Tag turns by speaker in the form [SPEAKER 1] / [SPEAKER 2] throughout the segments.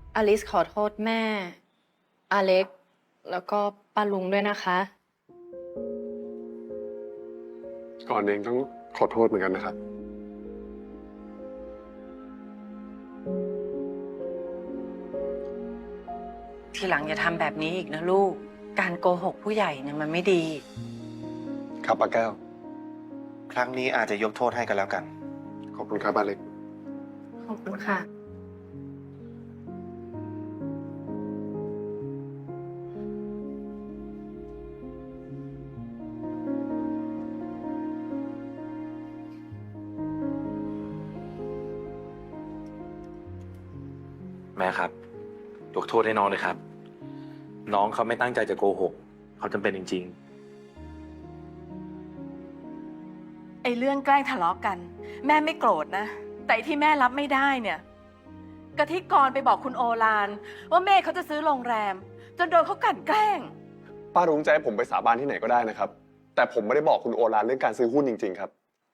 [SPEAKER 1] อลิสขอโทษแม่อเล็กแล้วก็ป้าลุงด้วยนะคะ
[SPEAKER 2] ก่อนเองต้องขอโทษเหมือนกันนะครับ
[SPEAKER 3] ทีหลังอย่าทำแบบนี้อีกนะลูก การโกหกผู้ใหญ่เนี่ยมันไม่ดี
[SPEAKER 2] ครับป้าแก้ว
[SPEAKER 4] ครั้งนี้อาจจะยกโทษให้กันแล้วกัน
[SPEAKER 2] ขอบคุณครับป้าเล็ก
[SPEAKER 1] ขอบคุณค่ะ
[SPEAKER 5] แม่ครับยกโทษให้น้องเลยครับ น้องเขาไม่ตั้งใจจะโกหก เขาจำเป็นจริงๆ
[SPEAKER 6] ไอ้เรื่องแกล้งทะเลาะกัน แม่ไม่โกรธนะ แต่ที่แม่รับไม่ได้เนี่ยกะทิกรไปบอกคุณโอฬารว่าเมฆเขาจะซื้อโรงแรม จนโดนเขากลั่นแกล้ง
[SPEAKER 2] ป้ารุ้งจะให้ผมไปสาบานที่ไหนก็ได้นะครับ แต่ผมไม่ได้บอกคุณโอฬารเรื่องการซื้อหุ้นจริงๆครับ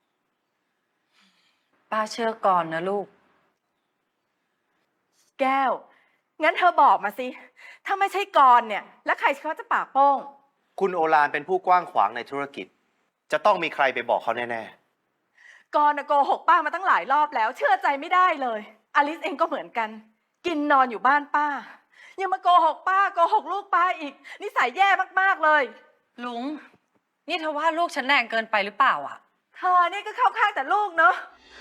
[SPEAKER 3] ป้าเชื่อก่อนนะลูก
[SPEAKER 6] แก้ว งั้นเธอบอกมาสิ ถ้าไม่ใช่กรเนี่ย แล้วใครเขาจะปากโป้ง
[SPEAKER 4] คุณโอฬารเป็นผู้กว้างขวางในธุรกิจ จะต้องมีใครไปบอกเขาแน่ๆ
[SPEAKER 6] กรน่ะโกหกป้ามาตั้งหลายรอบแล้ว เชื่อใจไม่ได้เลย อลิสเองก็เหมือนกัน กินนอนอยู่บ้านป้า ยังมาโกหกป้าโกหกลูกป้าอีก นิสัยแย่มากๆเลย
[SPEAKER 3] ลุง นี่เธอว่าลูกฉันแรงเกินไปหรือเปล่าอ่ะ
[SPEAKER 6] เธอนี่ก็เข้าข้างแต่ลูกเนาะ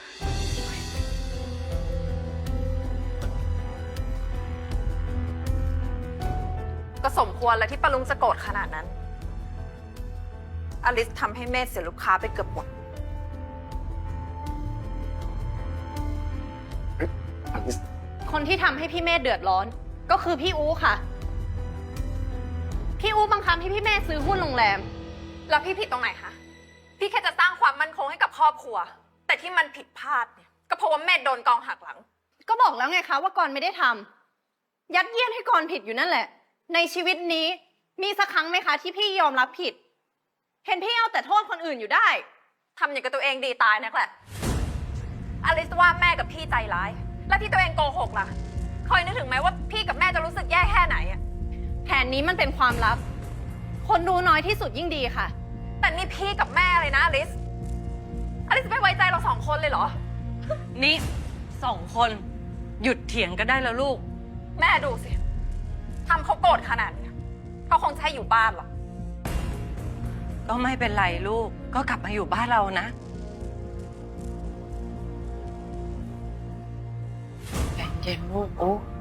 [SPEAKER 7] ก็สมควรแล้วที่ป้าลุงจะโกรธขนาดนั้น อลิสทำให้เมธเสียลูกค้าไปเกือบหมด
[SPEAKER 1] คนที่ทำให้พี่เมธเดือดร้อน ก็คือพี่อู๋ค่ะ พี่อู๋บังคับให้พี่เมธซื้อหุ้นโรงแรม
[SPEAKER 7] แล้วพี่ผิดตรงไหนคะพี่แค่จะสร้างความมั่นคงให้กับครอบครัว แต่ที่มันผิดพลาดเนี่ยก็เพราะว่าเมธโดนกองหักหลัง
[SPEAKER 1] ก็บอกแล้วไงคะว่ากรไม่ได้ทำยัดเยียดให้กรผิดอยู่นั่นแหละ ในชีวิตนี้มีสักครั้งไหมคะที่พี่ยอมรับผิด เห็นพี่เอาแต่โทษคนอื่นอยู่ได้
[SPEAKER 7] ทำอย่างกับตัวเองดีตายนักแหละ อลิสว่าแม่กับพี่ใจร้าย แล้วที่ตัวเองโกหกล่ะคอยนึกถึงไหมว่าพี่กับแม่จะรู้สึกแย่แค่ไหนอะ
[SPEAKER 1] แผนนี้มันเป็นความลับ คนรู้น้อยที่สุดยิ่งดีค่ะ
[SPEAKER 7] แต่นี่พี่กับแม่เลยนะอลิสจะไม่ไว้ใจเราสองคนเลยเหรอ
[SPEAKER 3] นี่สองคนหยุดเถียงกันได้แล้วลูก
[SPEAKER 7] แม่ดูสิทำเขาโกรธขนาดนี้เขาคงจะให้อยู่บ้านหรอก
[SPEAKER 3] ก็ไม่เป็นไรลูก ก็กลับมาอยู่บ้านเรานะใจเย็นลูกโอ้